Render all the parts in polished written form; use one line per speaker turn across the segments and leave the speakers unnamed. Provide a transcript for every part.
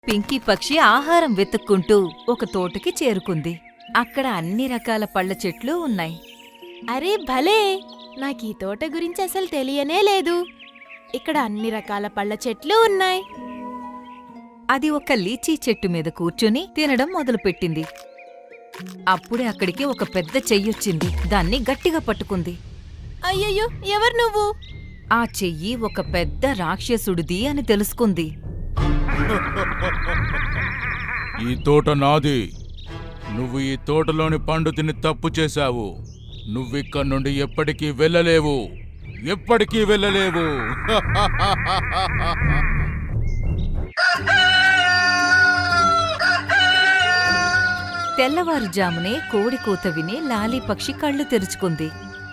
పింకీ పక్షి ఆహారం వెతుక్కుంటూ ఒక తోటకి చేరుకుంది. అక్కడ అన్ని రకాల పళ్ళ చెట్లు ఉన్నాయి.
అరే భలే! నాకీ తోట గురించి అసలు తెలియనే లేదు. ఇక్కడ అన్ని రకాల పళ్ళ చెట్లు ఉన్నాయి.
అది ఒక లీచీ చెట్టు మీద కూర్చుని తినడం మొదలుపెట్టింది. అప్పుడే అక్కడికి ఒక పెద్ద చెయ్యొచ్చింది. దాన్ని గట్టిగా పట్టుకుంది.
అయ్యయ్యో, ఎవరు నువ్వు?
ఆ చెయ్యి ఒక పెద్ద రాక్షసుడిది అని తెలుసుకుంది.
ఈ తోట నాది. నువ్వు ఈ తోటలోని పండు తిని తప్పు చేశావు. నువ్విక్కడి నుండి ఎప్పటికీ వెళ్ళలేవు. ఎప్పటికీ వెళ్ళలేవు.
తెల్లవారుజామునే కోడి కూత విని లాలీ పక్షి కళ్ళు తెరుచుకుంది.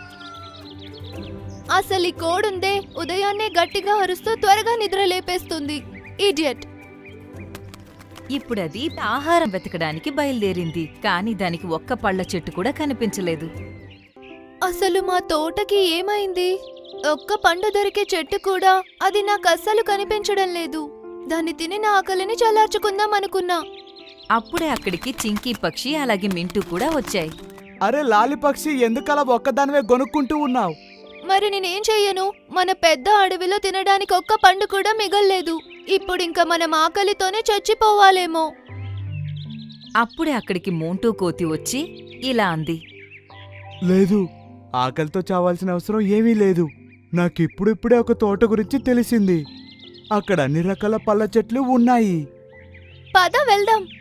అసలు ఈ కోడుందే ఉదయాన్నే గట్టిగా అరుస్తూ త్వరగా నిద్ర లేపేస్తుంది. ఇడియట్!
ఇప్పుడది ఆహారం వెతకడానికి బయలుదేరింది. కాని దానికి ఒక్క పళ్ళ చెట్టు కూడా కనిపించలేదు.
అసలు మా తోటకి ఏమైంది? ఒక్క పండు దొరికే చెట్టు కూడా అది నాకు అస్సలు కనిపించడం లేదు. దాన్ని తిని నా ఆకలిని చల్లార్చుకుందాం అనుకున్నా.
అప్పుడే అక్కడికి చింకీ పక్షి అలాగే మింటూ కూడా వచ్చాయి.
అరే లాలి పక్షి, ఎందుకలా ఒక్కదానివే గొనుక్కుంటూ ఉన్నావు?
మరి నేనేం చెయ్యను? మన పెద్ద అడవిలో తినడానికి ఒక్క పండు కూడా మిగల్లేదు. ఇప్పుడింక మనం ఆకలితోనే చచ్చిపోవాలేమో.
అప్పుడే అక్కడికి మోంటూ కోతి వచ్చి ఇలా అంది.
లేదు, ఆకలితో చావాల్సిన అవసరం ఏమీ లేదు. నాకిప్పుడిప్పుడే ఒక తోట గురించి తెలిసింది. అక్కడ అన్ని రకాల పళ్ళ చెట్లు ఉన్నాయి.
పద వెళ్దాం.